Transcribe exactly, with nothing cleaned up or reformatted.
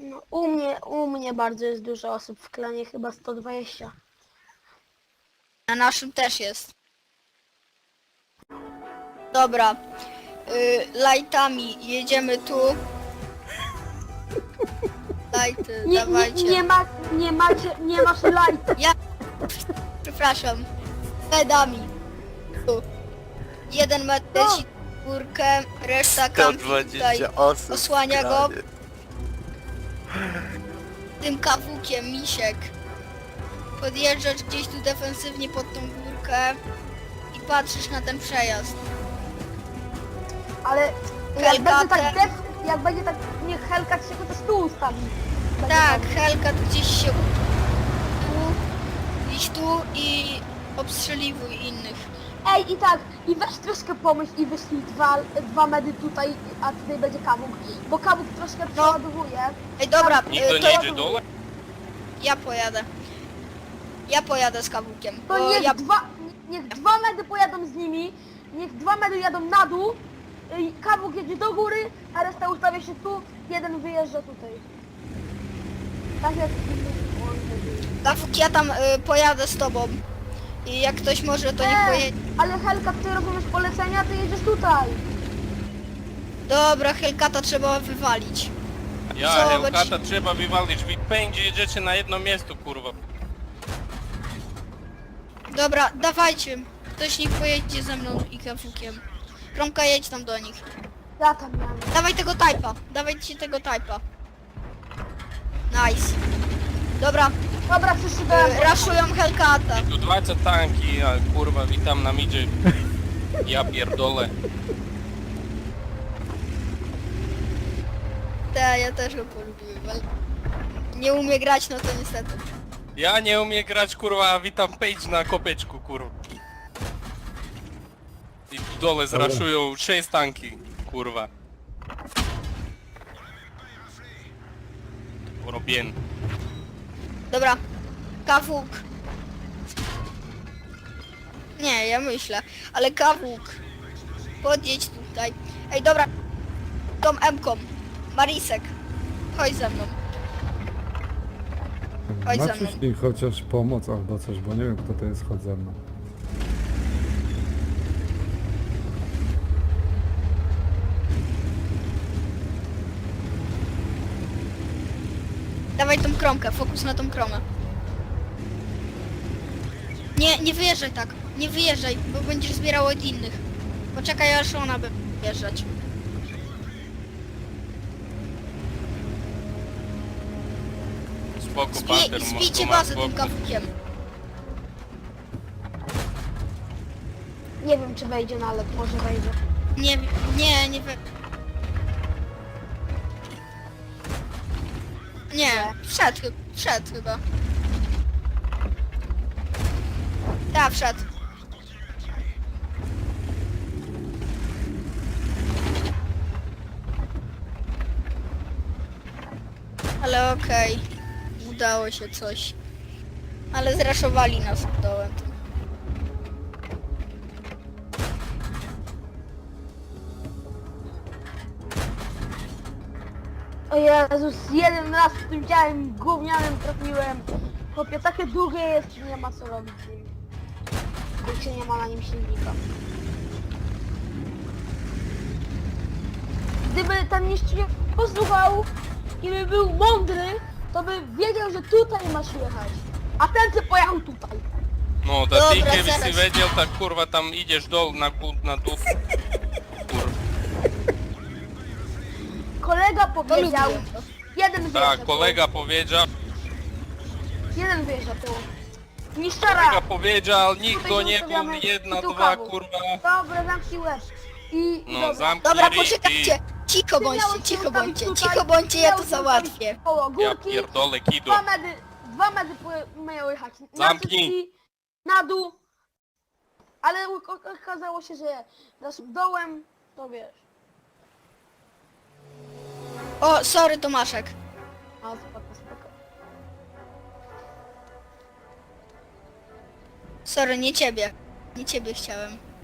No, u mnie, u mnie bardzo jest dużo osób w klanie, chyba sto dwadzieścia. Na naszym też jest. Dobra. Y, lightami jedziemy tu. Lighty, Nie, nie, dawajcie. nie, ma, nie macie, nie masz light. Ja... Przepraszam. Medami. Tu. Jeden metr No. leci w górkę, reszta sto kampi tutaj. dwadzieścia osób. Osłania w go. klanie. Tym kawukiem, misiek. Podjeżdżasz gdzieś tu defensywnie pod tą górkę i patrzysz na ten przejazd. Ale jak Helka będzie tak te- def, jak będzie tak, niech Helka się chociaż tu ustawi. Będzie Tak, dobrze. Helka tu gdzieś się tu, gdzieś tu i obstrzeliwuj innych. Ej, i tak, i weź troszkę pomyśl i wyślij dwa, dwa medy tutaj, a tutaj będzie Kawuk. Bo Kawuk troszkę przeładowuje. Ej, dobra, Tam- y, Nikt to nie jedzie dole? ja pojadę. Ja pojadę z kawukiem. To Bo niech, ja... dwa, niech dwa medy pojadą z nimi, niech dwa medy jadą na dół, i Kawuk jedzie do góry, a reszta ustawia się tu, jeden wyjeżdża tutaj. Tak jak... Kawuk, ja tam y, pojadę z tobą. I jak ktoś może, to niech Ej, pojedzie. ale Helka, ty rozumiesz polecenia, ty jedziesz tutaj. Dobra, Helkata trzeba wywalić. Ja, Zobacz. Helkata trzeba wywalić. Wy pędzie jedziecie na jedno miejsce, kurwa. Dobra, dawajcie. Ktoś niech pojedzie ze mną i kawukiem. Kromka, jedź tam do nich. Ja tam miałem. Dawaj tego typa. Dawajcie tego typa. Nice. Dobra, Dobra, wszyscy do y, raszują Helkata. Tu dwadzieścia tanki, a kurwa, witam na midzie. Ja pierdolę. Te, ja też go polubiłem, ale nie umie grać, no to niestety. Ja nie umiem grać, kurwa, a witam Page na kopeczku, kurwa. I tu dole zraszują sześć tanki, kurwa. Robien. Dobra, kawuk. Nie, ja myślę, ale kawuk. Podjedź tutaj. Ej, dobra, tą M-ką. Marisek, chodź ze mną. Chodź ze mną. Maciuś mi chociaż pomoc albo coś, bo nie wiem kto to jest, chodź ze mną. Dawaj tą kromkę, fokus na tą kromę. Nie, nie wyjeżdżaj tak, nie wyjeżdżaj, bo będziesz zbierał od innych. Poczekaj, aż ona będzie wyjeżdżać. Spoko, Zbij, Panther, mo- zbijcie to ma bazę tym spoko. kawukiem. Nie wiem czy wejdzie na let, może wejdzie. Nie, nie, nie wy... Nie, wszedł, chy- wszedł chyba. Tak, wszedł. Ale okej, udało się coś. Ale zraszowali nas dołem. O Jezus, jeden raz w tym działem gównianym trafiłem. Chłopie, takie długie jest, że nie ma co robić z nim. Kurczę, nie ma na nim silnika. Gdyby ten mistrz nie posłuchał i by był mądry, to by wiedział, że tutaj masz jechać. A ten co pojechał tutaj. No, Dobra, da ty kiedyś zaraz. si wiedział, tak kurwa tam idziesz dol na gó- na dół. Kurwa. Kolega To powiedział, lubiłem to. jeden wyjeżdża Tak, kolega powiedział, tu, jeden wyjeżdża tu. Miszczara! kolega powiedział, nikt Tutaj go się nie był, ustawiamy jedna, i tu dwa, kawu. kurwa. Dobra, zamknij łeb. I, i No, dobra. zamknij Dobra, ryj i... poczekajcie. Cicho Ty bądźcie, miałeś się cicho ustawić bądźcie, tutaj, cicho bądźcie, ja to miałeś się ustawić załatwię. Koło Ja górki, pierdolę, kido. dwa medy, dwa medy po- mają jechać na Zamknij. cycki, na dół. Ale u- o- okazało się, że naszym dołem, to wiesz. O, sorry Tomaszek. A spoko, spoko. Sorry, nie ciebie. Nie ciebie chciałem.